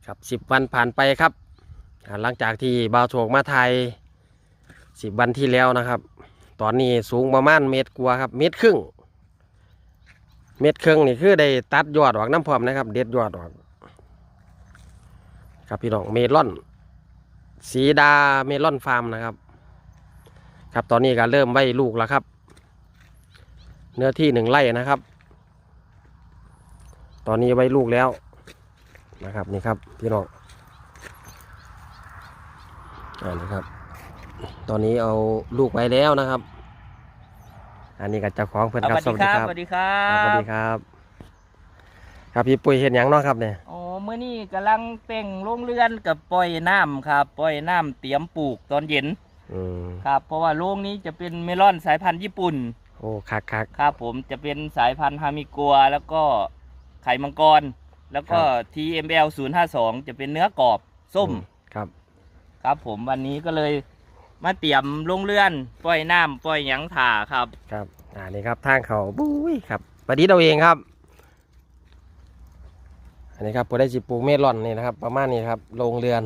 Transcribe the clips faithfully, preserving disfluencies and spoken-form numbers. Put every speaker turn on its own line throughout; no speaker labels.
ครับสิบวันผ่านไปครับหลังจากที่บ่าวโชคมาไทยสิบวันที่แล้วนะครับตอนนี้สูงประมาณเมตรกว่าครับเมตรครึ่งเมตรครึ่งนี่คือได้ตัดยอดออกน้ำพร้อมนะครับเด็ดยอดออกครับพี่น้องเมลอนสีดาเมลอนฟาร์มนะครับครับตอนนี้ก็เริ่มไว้ลูกแล้วครับเนื้อที่หนึ่งไร่นะครับตอนนี้ไว้ลูกแล้วนะครับนี่ครับพี่น้องอ่านะครับตอนนี้เอาลูกไว้แล้วนะครับอันนี้ก็เจ้าของเพื่อนครับ
สวัสดีครับสวัสดีครับ
สวัสดีครับครับพี่ปุ้ยเห็นยังเนาะครับเนี่ย
โอ้เมื่อนี้กำลังเป่งโรงเรือนกับปล่อยน้ำครับปล่อยน้ำเตรียมปลูกตอนเย็นครับเพราะว่าโรงนี้จะเป็นเมลอนสายพันธุ์ญี่ปุ่น
โอ้คักคัก
ครับผมจะเป็นสายพันธุ์ฮามิกัวแล้วก็ไข่มังกรแล้วก็ ที เอ็ม แอล ศูนย์ ห้า สองจะเป็นเนื้อกรอบส้ม
ครับ
ครับผมวันนี้ก็เลยมาเตรียมโรงเรือนปล่อยน้ำปล่อยหยังถ่าครับ
ครับอ่านี่ครับทางเขาบุ้ยครับประดิษฐ์เอาเองครับอันนี้ครับผมได้จิปลูกเมลอนนี่นะครับประมาณนี้ครับโรงเรือน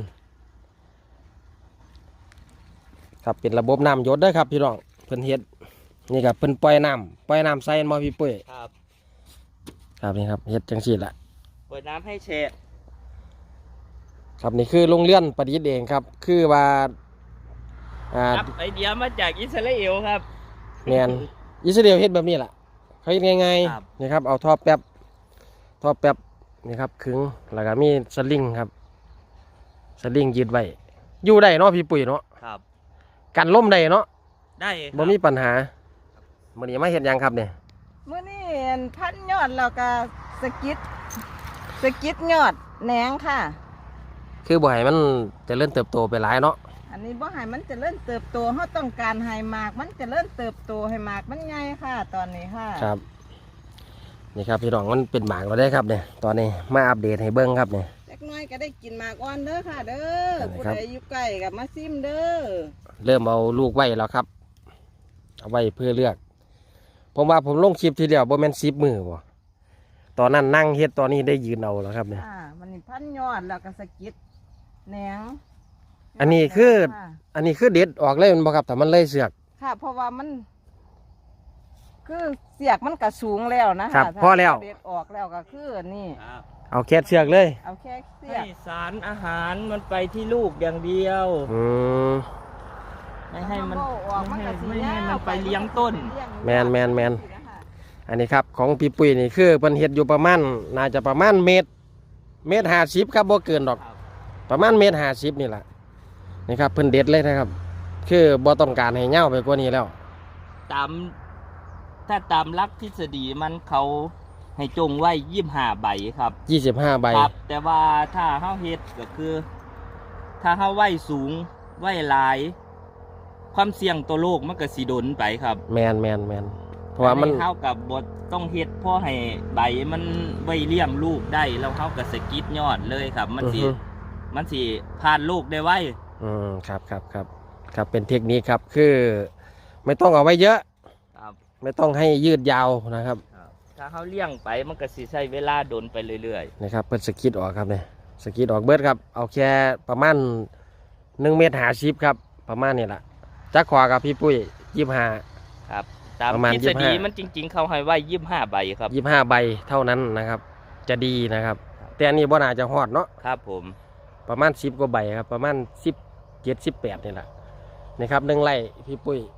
ครับเป็นระบบน้ำหยดด้วยครับพี่น้องเพิ่นเฮ็ดนี่ครับเพิ่นปล่อยน้ำปล่อยน้ำใส่มาพี่ปุ้ย
ครับ
ครับนี่ครับเฮ็ดจังซี่แหละ
ปล่อยน้ำให้แฉะ
ครับนี่คือโรงเรือนประดิษฐ์เองครับคือว่า
อ่าไอเดียมาจากอิสราเอลครับ
แมนอิสราเอลเฮ็ดแบบนี้แหละเขาเฮ็ดง่ายๆนี่ครับเอาท่อแป๊บท่อแป๊บนี่ครับขึงแล้วก็มีสลิงครับสลิงยืดไว้อยู่ได้เนาะพี่ปุ๋ยเนาะ
ครับ
กันล่มได้เนาะ
ได้
บ่มีปัญหามื้อนี้มาเฮ็ดยังครับเนี่ย
มื้อนี้พันยอดแล้วก็สกิดสกิดยอดแหนงค่ะ
คือบ่ให้มันเจริญเติบโตไปหลายเนาะ
อันนี้บ่ให้มันเจริญเติบโตเฮาต้องการให้หมากมันเจริญเติบโตให้หมากมันใหญ่ค่ะตอนนี้ค่ะ
ครับนี่ครับพี่น้องมันเป็นหมากเราได้ครับเนี่ยตอนนี้มาอัปเดตให้เบิ้งครับเนี่ย
เล็กน้อยก็ได้กินหมากอ่อนเด้อค่ะเด้อผู้ใดอยู่ใกล้กับมาซิมเด้อ
เริ่มเอาลูกไว้แล้วครับเอาไว้เพื่อเลือกผมว่าผมลงคลิปทีเดียวบ่แม่นสิบมือบ่ตอนนั้นนั่งเฮ็ดตอนนี้ได้ยืนเอาแล้วครับเนี่ย
อ่ามันนี่พันยอดแล้วก็สกิดแหนง
อันนี้คืออันนี้คือเด็ดออกเลยมันบ่ครับแต่มันเลยเสือก
ค่ะเพราะว่ามันคือเสียกมันก็สูงแล้วนะครับ
พอแล้ว
เด็ดออกแล้วก็คือนี่
เอาแค่เสือกเลย
เอาแค่เสียก
สารอาหารมันไปที่ลูกอย่างเดียว
อืม
ไม่ให้มันไม่ให้ไม่ให้มันไปเลี้ยงต้น
แมนแมนแมนอันนี้ครับของพี่ปุ้ยนี่คือเพิ่นเฮ็ดอยู่ประมาณน่าจะประมาณเมตรเมตรห้าสิบครับบ่เกินดอกประมาณเมตรห้าสิบนี่แหละนี่ครับเพิ่นเด็ดเลยนะครับคือบ่ต้องการให้เง่าไปกว่านี้แล้ว
ตามถ้าตามลักทฤษฎีมันเขาให้จงไว้ยี่สิบห้าใบครับ
ยี่สิบห้าใบ
ครับแต่ว่าถ้าเฮาเฮ็ดก็คือ ถ้าเฮาไว้สูงไว้หลายความเสี่ยงตัวโรคมันก็สิดนไปครับ
แมนแมนแมนเพราะว่ามัน
เฮากับบทต้องเฮ็ดพอให้ใบมันไว้เลี้ยงลูกได้แล้วเฮาก็สกิดยอดเลยครับมันสิมันสิผ่านลูกได้ไว
อืมครับครับครับครับเป็นเทคนิคครับคือไม่ต้องเอาไว้เยอะ
ครับ
ไม่ต้องให้ยืดยาวนะครับ
ถ้าเขาเลี้ยงไปมันก็สิใช้เวลาดนไปเรื่อย
ๆนะครับเปิดสกิดออกครับเนี่ยสกิดออกเบิดครับเอาแค่ประมาณหนึ่งเมตรหาชิปครับประมาณนี้แหละจักขวากับพี่ปุ้ยยี่สิบห้า
ครับตามทฤษฎีมันจริงๆเขาให้ไว้ยี่สิบห้าใบครับ
ยี่สิบห้าใบเท่านั้นนะครับจะดีนะครับแต่อันนี้บ่น่าจะฮอดเนาะ
ครับผม
ประมาณสิบกว่าใบครับประมาณสิบเจ็ดสิบแปดนี่แหละนะครับหนึ่งไร่พี่ปุ้ย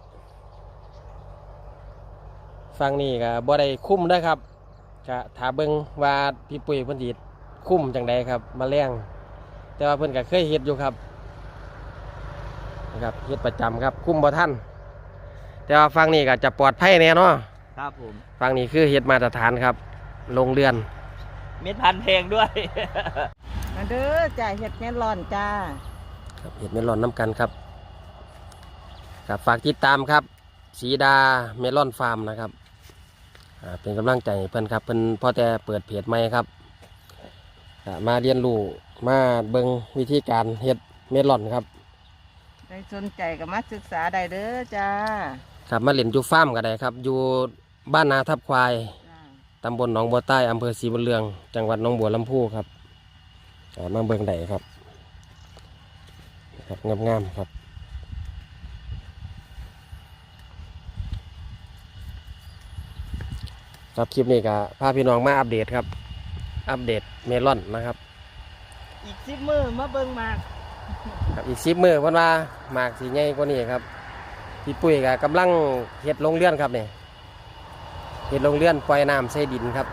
ฟังนี่ก็บ่ได้คุ้มนะครับก็ถาเบิ่งว่าพี่ปุ้ยเพิ่นสิคุ้มจังใดครับมาแรงแต่ว่าเพิ่นก็เคยเฮ็ดอยู่ครับนะครับเฮ็ดประจำครับคุ้มบ่ทันแต่ว่าฟังนี่ก็จะปลอดภัยแน่เนาะ
ครับผม
ฟังนี่คือเฮ็ดมาตรฐานครับโรงเรือน
เม็ดพันธุ์แพงด้วย
มาเด้อจ่ายเฮ็ดเมลอนจ้า
ครับเฮ็ดเมลอนน้ำกันครับครับฝากติดตามครับสีดาเมลอนฟาร์มนะครับเป็นกำลังใจเพื่อนครับเพื่อนพอแต่เปิดเพจใหม่ครับมาเรียนรู้มาเบิ่งวิธีการเฮ็ดเมลอนครับ
ใครสนใจก็มาศึกษาได้เด้อจ้า
ครับมาเล่นอยู่ฟาร์มก็ได้ครับอยู่บ้านนาทับควายตำบลหนองบัวใต้อำเภอศรีบุญเรืองจังหวัดหนองบัวลำพูครับอ่ามาเบิ่งได้ครับนะครับงามๆครับครับคลิปนี้ก็พาพี่น้องมาอัปเดตครับอัปเดตเมลอนนะครับ
อีกสิบมือมาเบิ่งหมาก
ครับอีกสิบมือเพิ่นว่าหมากสีใหญ่กว่านี้ครับพี่ปุ้ยก็กำลังเฮ็ดโรงเรือนครับเนี่ยเฮ็ดโรงเรือนปล่อยน้ำใส่ดินครับ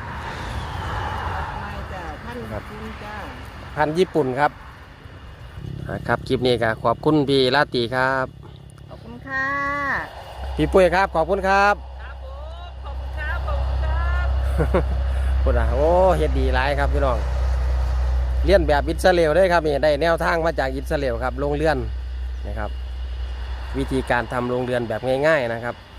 ไม่จ้าท่าน
ครับ
คุณจ้า
พันธุ์ญี่ปุ่นครับอ่าครับคลิปนี้ก็ขอบคุณพี่ลาตรีครับ
ขอบคุณค่ะ
พี่ปุ้ยครับขอบคุณครับ
ครับผมขอบคุณครับขอบคุณครับ
พูดอ่ะโอ้เฮ็ดดีหลายครับพี่น้องเลียนแบบอิสราเอลได้ครับนี่ได้แนวทางมาจากอิสราเอลครับโรงเรือนนะครับ วิธีการทำโรงเรือนแบบง่ายๆนะครับ